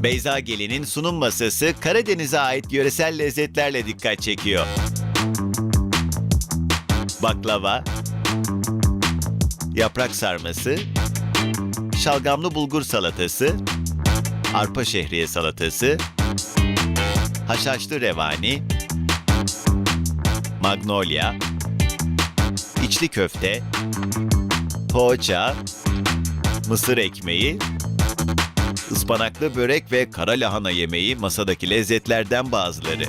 Beyza Gelin'in sunum masası Karadeniz'e ait yöresel lezzetlerle dikkat çekiyor. Baklava, yaprak sarması, şalgamlı bulgur salatası, arpa şehriye salatası, haşhaşlı revani, magnolia, içli köfte, poğaça, mısır ekmeği, ıspanaklı börek ve kara lahana yemeği masadaki lezzetlerden bazıları.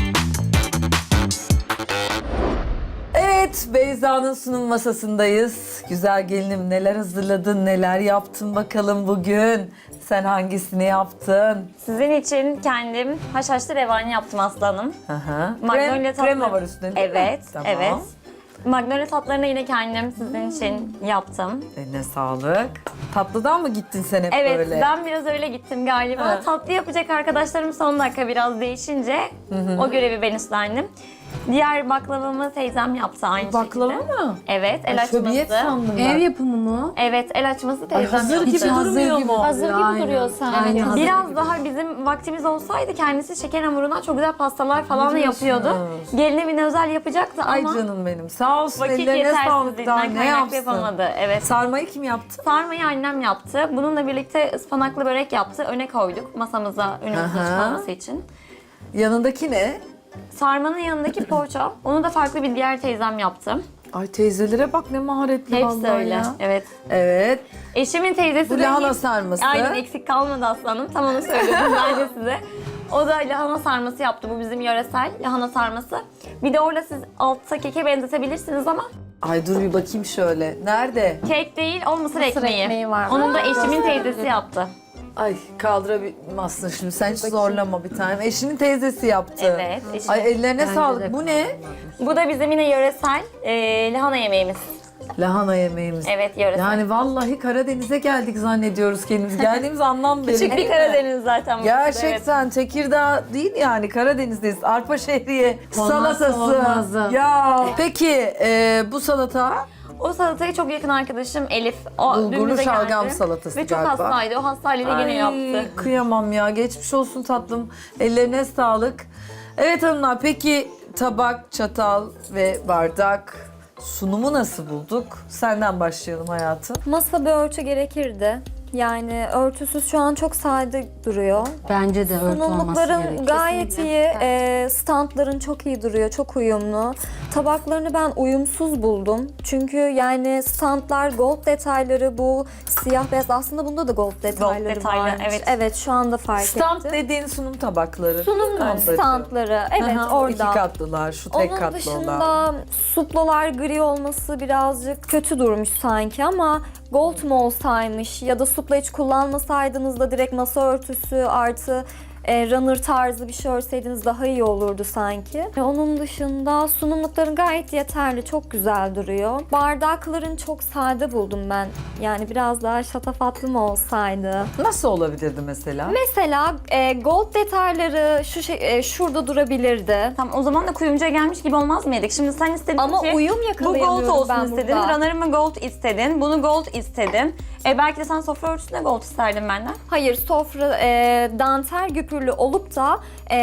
Evet, Beyza'nın sunum masasındayız. Güzel gelinim, neler hazırladın, neler yaptın bakalım bugün? Sen hangisini yaptın? Sizin için kendim haşhaşlı revani yaptım aslanım. Aha. Magnolia Krema var üstünde değil mi? Evet, Tamam. evet. Magnolia tatlarını yine kendim sizin için yaptım. Eline sağlık. Tatlıdan mı gittin sen hep Evet, böyle? ben biraz öyle gittim galiba. Ha. Tatlı yapacak arkadaşlarım son dakika biraz değişince o görevi ben üstlendim. Diğer baklavamı teyzem yaptı aynı Baklava şekilde. mı? Evet, el Ay, şöbiyet açması. sandım ben. Ev yapımı mı? Evet, el açması Ay, teyzem hazır yaptı. gibi durmuyor mu? Hazır gibi Aynen. duruyor sanki. Aynen, hazır Biraz gibi. daha bizim vaktimiz olsaydı kendisi şeker hamurundan çok güzel pastalar falan da diyorsunuz? yapıyordu. Gelin evine özel yapacaktı Ay ama canım benim. Sağ olsun, vakit ellerine sağlık. Daha yetersizliğinden ne kaynaklı yapsın? yapamadı. Evet. Sarmayı kim yaptı? Sarmayı annem yaptı. Bununla birlikte ıspanaklı börek yaptı. Öne koyduk masamıza önümüzde Aha. çıkmaması için. Yanındaki ne? Sarmanın yanındaki poğaça. Onu da farklı bir diğer teyzem yaptı. Ay teyzelere bak ne maharetli Hepsi vallahi öyle. ya. Evet. Evet. Eşimin teyzesi Bu de lahana hiç- sarması. Aynen, eksik kalmadı aslanım. Tam onu söylüyordum ben de size. O da lahana sarması yaptı. Bu bizim yöresel lahana sarması. Bir de orada siz altta keke benzetebilirsiniz ama Ay dur bir bakayım şöyle. Nerede? kek değil, o mısır ekmeği. ekmeği var. Onun da eşimin teyzesi yaptı. Ay kaldıramazsın şimdi. Sen hiç zorlama bir tane. Eşinin teyzesi yaptı. Evet, eşimin. Ay ellerine Bence sağlık. de Bu ne? Bu da bizim yine yöresel lahana yemeğimiz. Lahana yemeğimiz. Evet, yöresel. Yani vallahi Karadeniz'e geldik zannediyoruz kendimiz. Geldiğimiz anlam belli. Küçük bir değil mi? Karadeniz zaten. burası da, evet. Gerçekten Tekirdağ değil yani Karadeniz'deyiz. Arpa şehriye Olmazsa salatası. olmazı. Ya peki bu salata O salatayı çok yakın arkadaşım Elif. O bulgurlu dün bize şalgam geldi. salatası Ve çok galiba. hastaydı. O hastayla yine yaptı. Kıyamam ya. Geçmiş olsun tatlım. Ellerine sağlık. Evet hanımlar, peki tabak, çatal ve bardak sunumu nasıl bulduk? Senden başlayalım hayatım. Masa bir örtü gerekirdi. Yani örtüsüz şu an çok sade duruyor. Bence de örtü olması Sunumlukların gerekiyor. gayet iyi, standların çok iyi duruyor, çok uyumlu. Tabaklarını ben uyumsuz buldum. Çünkü yani standlar gold detayları, bu siyah beyaz, aslında bunda da gold detayları detaylı, varmış. evet. Evet, şu anda fark Stand ettim. dediğin sunum tabakları. Sunum Standları. standları, evet, Aha, o orada. iki katlılar, şu tek Onun katlı dışında olan. suplalar gri olması birazcık kötü durmuş sanki ama gold mu olsaymış ya da supla hiç kullanmasaydınız da direkt masa örtüsü artı runner tarzı bir şey örseydiniz daha iyi olurdu sanki. Onun dışında sunumlukların gayet yeterli, çok güzel duruyor. Bardakların çok sade buldum ben. Yani biraz daha şatafatlı mı olsaydı? Nasıl olabilirdi mesela? Mesela gold detayları şurada durabilirdi. Tamam, o zaman da kuyumcuya gelmiş gibi olmaz mıydık? Şimdi sen istedin Ama ki uyum bu gold yakalayamıyorum olsun ben istedin, burada. runner'ımı gold istedin, bunu gold istedin. Belki de sen sofra örtüsüne gold isterdin benden. Hayır, sofra dantel güpürlü olup da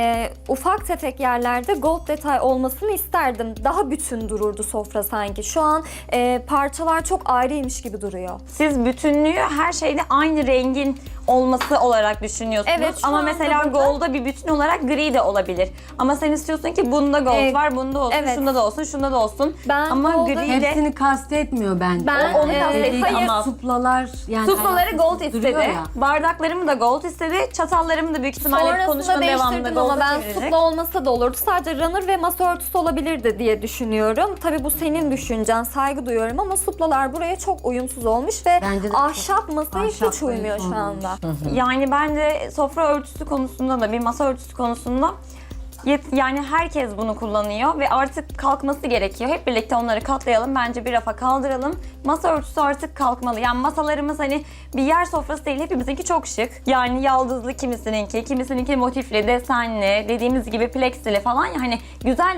ufak tefek yerlerde gold detay olmasını isterdim. Daha bütün dururdu sofra sanki. Şu an parçalar çok ayrıymış gibi duruyor. Siz bütünlüğü her şeyde aynı rengin olması olarak düşünüyorsunuz. Evet, şu ama anda mesela burada- gold'a bir bütün olarak gri de olabilir. Ama sen istiyorsun ki bunda gold var, bunda olsun, evet. şunda da olsun, şunda da olsun. Ben ama gold'a- gri de Hepsini kastetmiyor bence. Ben onu kastettim Dediği gibi ama- suplalar yani suplaları gold duruyor istedi, ya. bardaklarımı da gold istedi, çatallarımı da büyük ihtimalle Sonrasında konuşmanın devamında değiştirdim ama gold'a ben çevirecek. supla olmasa da olurdu. Sadece runner ve masa örtüsü olabilirdi diye düşünüyorum. Tabii bu senin düşüncen, saygı duyuyorum ama suplalar buraya çok uyumsuz olmuş ve Bence de ahşap masaya hiç ahşapla uymuyor şu uyumlu anda. Yani ben de sofra örtüsü konusunda da bir masa örtüsü konusunda yani herkes bunu kullanıyor ve artık kalkması gerekiyor. Hep birlikte onları katlayalım. Bence bir rafa kaldıralım. Masa örtüsü artık kalkmalı. Yani masalarımız hani bir yer sofrası değil. Hepimizinki çok şık. Yani yaldızlı kimisininki motifli, desenli, dediğimiz gibi plexili falan ya hani güzeller.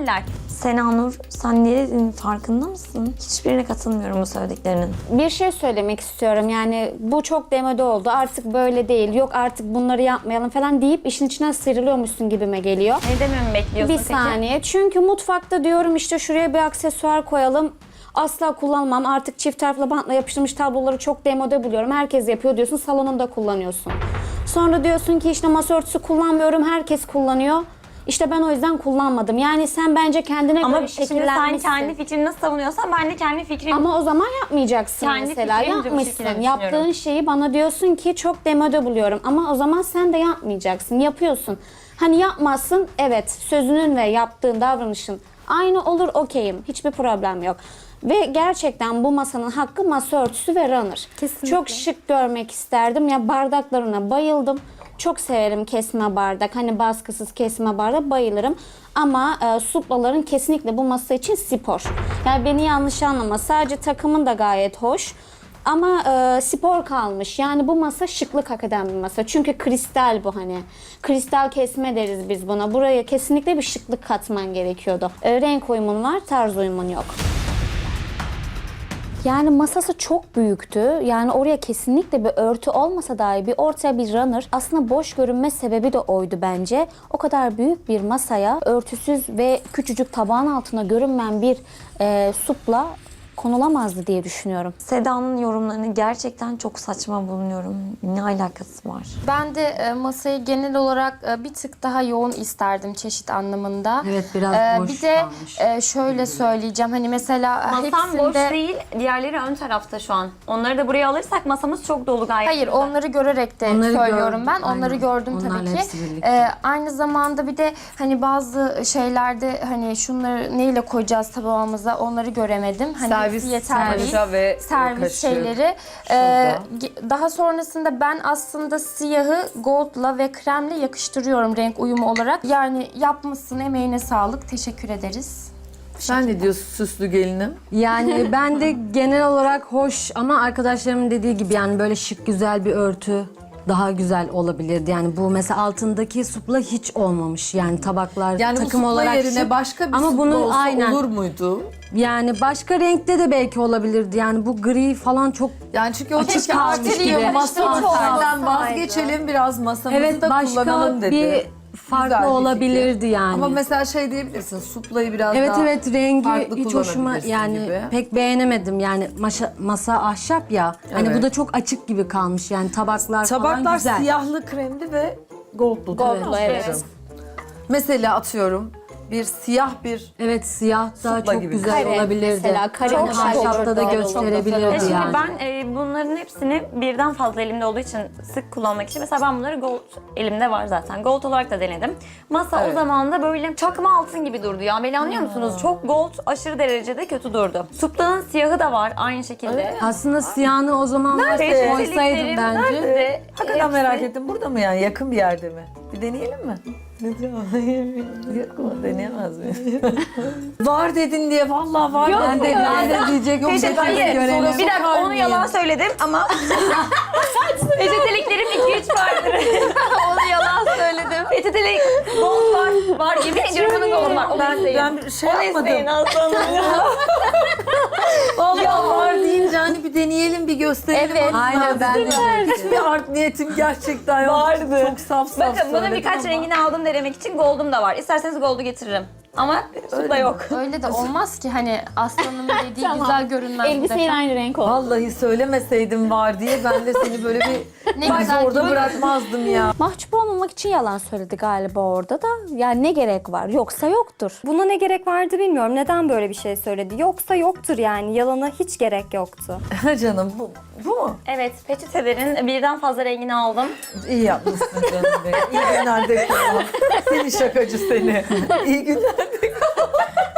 Senanur, sen ne dediğinin farkında mısın? Hiçbirine katılmıyorum bu söylediklerinin. Bir şey söylemek istiyorum. Yani bu çok demode oldu. Artık böyle değil. Yok artık bunları yapmayalım falan deyip işin içinden sıyrılıyormuşsun gibime geliyor. Ne dememi bekliyorsun Bir peki? saniye. Çünkü mutfakta diyorum işte şuraya bir aksesuar koyalım. Asla kullanmam. Artık çift taraflı bantla yapıştırmış tabloları çok demode buluyorum. Herkes yapıyor diyorsun. Salonunda kullanıyorsun. Sonra diyorsun ki işte masa örtüsü kullanmıyorum. Herkes kullanıyor. İşte ben o yüzden kullanmadım. Yani sen bence kendine Ama göre şimdi sen şekillenmişsin. kendi fikrini nasıl savunuyorsan ben de kendi fikrimi... Ama o zaman yapmayacaksın Kendi mesela. fikrimce bu şekilde Yapmışsın. düşünüyorum. Yaptığın şeyi bana diyorsun ki çok demode buluyorum. Ama o zaman sen de yapmayacaksın. Yapıyorsun. Hani yapmazsın. Evet, sözünün ve yaptığın davranışın aynı olur, okeyim. Hiçbir problem yok. Ve gerçekten bu masanın hakkı masa örtüsü ve runner. Kesinlikle. Çok şık görmek isterdim. Ya bardaklarına bayıldım. Çok severim kesme bardak. Hani baskısız kesme bardak bayılırım. Ama suplaların kesinlikle bu masa için spor. Yani beni yanlış anlama. Sadece takımın da gayet hoş. Ama spor kalmış. Yani bu masa şıklık hak eden bir masa. Çünkü kristal bu hani. Kristal kesme deriz biz buna. Buraya kesinlikle bir şıklık katman gerekiyordu. Renk uyumun var, tarz uyumun yok. Yani masası çok büyüktü. Yani oraya kesinlikle bir örtü olmasa dahi bir ortaya bir runner. Aslında boş görünme sebebi de oydu bence. O kadar büyük bir masaya örtüsüz ve küçücük tabağın altına görünmeyen bir supla konulamazdı diye düşünüyorum. Seda'nın yorumlarını gerçekten çok saçma bulunuyorum. Ne alakası var? Ben de masayı genel olarak bir tık daha yoğun isterdim çeşit anlamında. Evet, biraz boş Bir de kalmış. şöyle söyleyeceğim hani mesela Masam hepsinde... boş değil, diğerleri ön tarafta şu an. Onları da buraya alırsak masamız çok dolu gayet. Hayır güzel. onları görerek de Onları söylüyorum gördüm, ben. Onları aynen. gördüm Onlarla tabii ki. hepsi birlikte. Aynı zamanda bir de hani bazı şeylerde hani şunları neyle koyacağız tabağımıza onları göremedim. Hani Servis, hepsi yeterli değil. servis ve Servis kaşık. şeyleri. Şurada. Daha sonrasında ben aslında siyahı goldla ve kremle yakıştırıyorum renk uyumu olarak. Yani yapmışsın, emeğine sağlık. Teşekkür ederiz. Sen ne diyorsun süslü gelinim? Yani ben de genel olarak hoş ama arkadaşlarımın dediği gibi yani böyle şık güzel bir örtü daha güzel olabilirdi. Yani bu mesela altındaki supla hiç olmamış. Yani tabaklar Yani bu takım supla olarak yerine şık. başka bir ama supla bunun olsa aynen olur muydu? yani başka renkte de belki olabilirdi. Yani bu gri falan çok Yani çünkü o Açık çünkü kalmış artık gibi. masa Hiç örtüsünden olmasaydı. vazgeçelim biraz masamızı evet da başka kullanalım dedi. bir farklı Güzel bir olabilirdi fikir. yani. Ama mesela şey diyebilirsin suplayı biraz Evet daha evet rengi farklı hiç hoşuma kullanabilirsin yani gibi. pek beğenemedim yani masa ahşap ya hani Evet. bu da çok açık gibi kalmış yani tabaklar falan Tabaklar güzel. siyahlı kremli ve goldlu. Goldlu, evet. Mesela atıyorum bir siyah bir Evet siyah da Supla çok gibi. güzel Kare olabilirdi. mesela, kare Çok hoş ahşapta olurdu. da Çok gösterebilirdi Şimdi yani. ben bunların hepsini birden fazla elimde olduğu için sık kullanmak için mesela ben bunları gold elimde var zaten. Gold olarak da denedim. Masa Evet. o zaman da böyle çakma altın gibi durdu ya. Beni anlıyor musunuz? Çok gold aşırı derecede kötü durdu. Suplanın siyahı da var aynı şekilde. Aslında siyahını o zaman Peçeteliklerim koysaydım bence. nerede? hakikaten merak ettim. Burada mı yani? Yakın bir yerde mi? Bir deneyelim mi? Ne diyor? Yok mu? Deneyemez miyim? Var dedin diye vallahi var. Yok ben de ya. ben de diyecek. Yok Peçete- hayır. görelim. Bir dakika onu yalan söyledim ama peçeteliklerim 2-3 vardır. Onu yalan söyledim. Peçetelik gold var. Var yemin ediyorum bunun gold var. Onu isteyin. Ben bir şey Onu yapmadım. isteyin aslanım ya. Vallahi var deyince hani bir deneyelim bir gösterelim. Evet. Aynen ben de. Hiçbir art niyetim gerçekten yok. Vardı. Çok saf Bakın bunun söyledim birkaç ama. rengini aldım denemek için gold'um da var. İsterseniz gold'u getiririm. Ama supla yok. Öyle de olmaz ki hani aslanın dediği güzel görünmez. bir Elbiseyle defa. aynı renk oldu. Vallahi söylemeseydim var diye ben de seni böyle bir Ne güzel orada görünüyor. bırakmazdım ya. Mahcup olmamak için yalan söyledi galiba orada da. Yani ne gerek var? Yoksa yoktur. Buna ne gerek vardı bilmiyorum. Neden böyle bir şey söyledi? Yoksa yoktur yani. Yalana hiç gerek yoktu. Canım bu mu? Evet, peçetelerin birden fazla rengini aldım. İyi yapmışsın canım benim. İyi günler de kullan. Seni şakacı seni. İyi günler de kullan.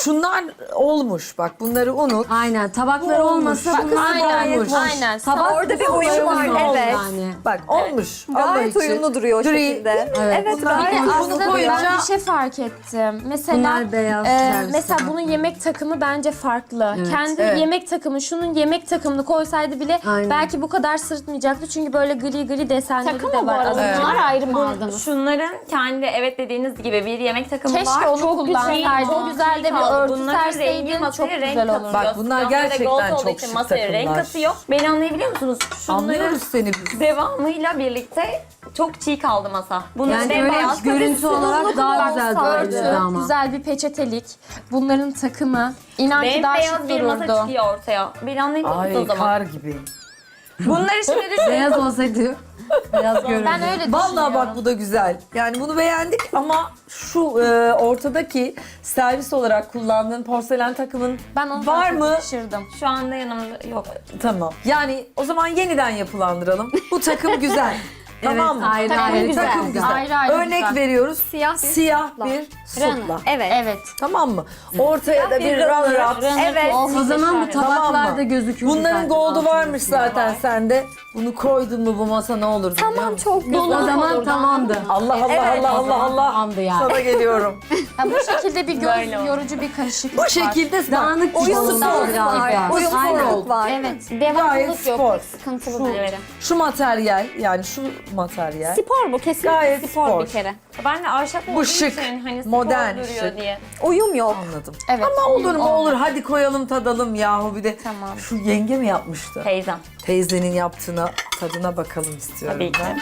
şunlar olmuş. Bak bunları unut. Aynen tabakları Bu olmasa olmuş. bunlar Aynen, gayet olmuş. Aynen. Tabak Orada bir uyum var, olmuş evet. Yani. Bak olmuş. Allah Gayet için. uyumlu duruyor o Gri. şekilde. Evet. Evet, Bunlar gayet uyumlu. aslında Bunu koyunca- Ben bir şey fark ettim. Mesela Bunlar beyaz servis mesela tabak. bunun yemek takımı bence farklı. Evet. Kendi Evet. yemek takımı, şunun yemek takımını koysaydı bile Aynen. belki bu kadar sırıtmayacaktı. Çünkü böyle gri gri desenleri Takım de mı bu var. arada? Evet. Bunlar ayrı mı aldınız? Şunların kendi evet dediğiniz gibi bir yemek takımı Keşke var. onu Çok güzel. kullansaydın. Çok güzel de bir kaldı. örtü Bunların rengi serseydin çok masaya renk güzel katıyor. olur. Bak bunlar Siyah ve gerçekten gold olduğu çok için şık masaya renk takımlar. katıyor. Beni anlayabiliyor musunuz? Şunların Anlıyoruz seni biz. devamıyla birlikte çok çiğ kaldı masa. Bunun Yani yani öyle beyaz görüntü olarak daha güzel Örtü, dururdu ama. güzel bir peçetelik. Bunların takımı. İnan ki daha beyaz şık bir masa dururdu. çıkıyor ortaya. Beni anlayabiliyor musunuz Ay o zaman? kar gibi. Bunları şimdi düşünün. Beyaz olsaydı beyaz görürdü. Ben öyle Vallahi düşünüyorum. bak bu da güzel. Yani bunu beğendik ama şu ortadaki servis olarak kullandığın porselen takımın Ben onu var çok mı? yakışırdım. Şu anda yanımda yok. Tamam. Yani o zaman yeniden yapılandıralım. Bu takım güzel. Tamam mı? ayrı Takım ayrı güzel. Takım güzel. Ayrı ayrı Örnek güzel. veriyoruz. Siyah bir bir supla. Evet. Evet. Tamam mı? Ortaya da bir runner up. Evet. O zaman bu Tamam tabaklarda mı? gözükür. Bunların zaten gold'u altında. varmış zaten sende. Bunu koydun mu bu masa ne olur biliyor Tamam, musun? çok güzel. O zaman tamamdı. Allah Allah Evet. Allah Allah Allah. Tamamdı yani. Sana geliyorum. Ya bu şekilde bir Böyle göz oldu. yorucu bir karışıklık Bu var. şekilde Dağınık oyun gibi oldu spor biraz var. daha. Oyun Aynen. spor var. Evet. Gayet Devamlılık yok. spor. Sıkıntılı Şu- böyle. Şu materyal yani şu materyal. Spor bu kesinlikle Gayet spor, spor. bir kere. Ben de ahşap olduğu şık, için hani spor modern duruyor şık. diye. Uyum yok. Anladım. Evet. Ama olur mu olur hadi koyalım tadalım yahu bir de. Tamam. Şu yenge mi yapmıştı? Teyzem. Teyzenin yaptığına tadına bakalım istiyorum Tabii ki. ben.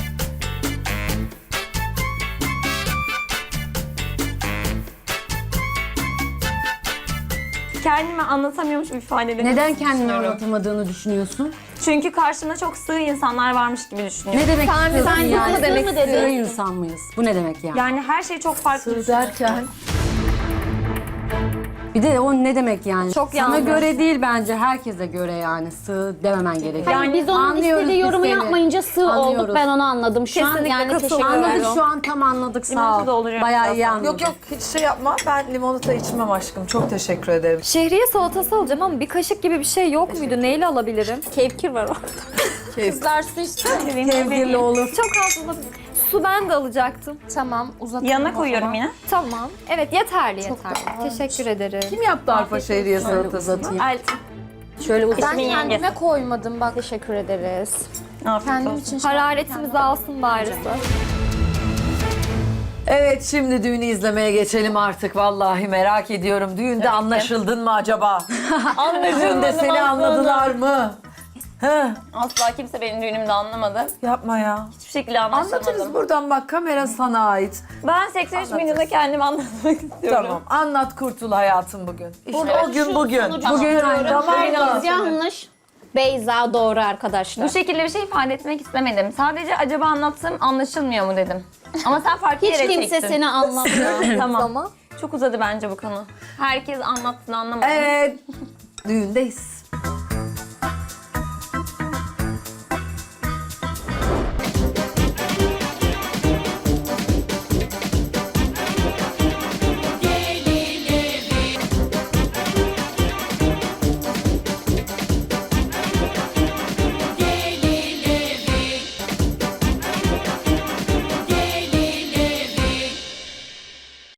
Kendimi anlatamıyormuş ifadelerini Neden kendini düşünüyorum. anlatamadığını düşünüyorsun? Çünkü karşımda çok sığ insanlar varmış gibi düşünüyorum. Ne demek istiyorsun sen yani? bunu demek Sığ istedin. insan mıyız? Bu ne demek yani? Yani her şey çok farklı. Sır düşünüyorum. derken Bir de o ne demek yani? Çok Sana yanlış. göre değil bence herkese göre yani sığ dememen gerekiyor. Yani biz onun anlıyoruz istediği yorumu biz seni. yapmayınca sığ Anlıyoruz. olduk, ben onu anladım şu an. Kesinlikle Yani teşekkür katılıyorum. ederim. Anladık şu an tam anladık sağ Limonata ol. dolduracağım Bayağı iyi birazdan. anladım. yok yok hiç şey yapma ben limonata içmem aşkım çok teşekkür ederim. Şehriye salatası alacağım ama bir kaşık gibi bir şey yok muydu? Neyle alabilirim? Kevkir var orada. Kızlar su istiyor. Sevgili olur. Çok az olabilir. Su ben de alacaktım. Tamam uzatalım. Yanına o koyuyorum zaman. yine. Tamam. Evet, yeterli. Teşekkür ederim. Kim yaptı arpa şehriye salatasını? Uzatayım. Eltim. Şöyle uzat. Ben İsmin kendime yengesi. koymadım bak. Teşekkür ederiz. Afiyet Kendim olsun. için Hararetimizi alsın bari. Evet şimdi düğünü izlemeye geçelim artık vallahi merak ediyorum. Düğünde anlaşıldın mı acaba? Düğünde seni anladılar mı? He, Asla kimse benim düğünümde anlamadı. yapma ya. Hiçbir şekilde anlaşılmadım. Anlatırız buradan bak kamera sana ait. Ben 83 milyonda kendimi anlatmak istiyorum. Tamam anlat kurtul hayatım bugün. İşte Burada o gün şu bugün. sonucu Bugün anlatıyorum. tamam Biz mı? yanlış. Beyza doğru arkadaşlar. Bu şekilde bir şey ifade etmek istemedim. Sadece acaba anlattığım anlaşılmıyor mu dedim. Ama sen farklı Hiç yere kimse çektin. seni anlamıyor. Tamam. Ama Çok uzadı bence bu konu. Herkes anlattığını anlamadı. Evet düğündeyiz.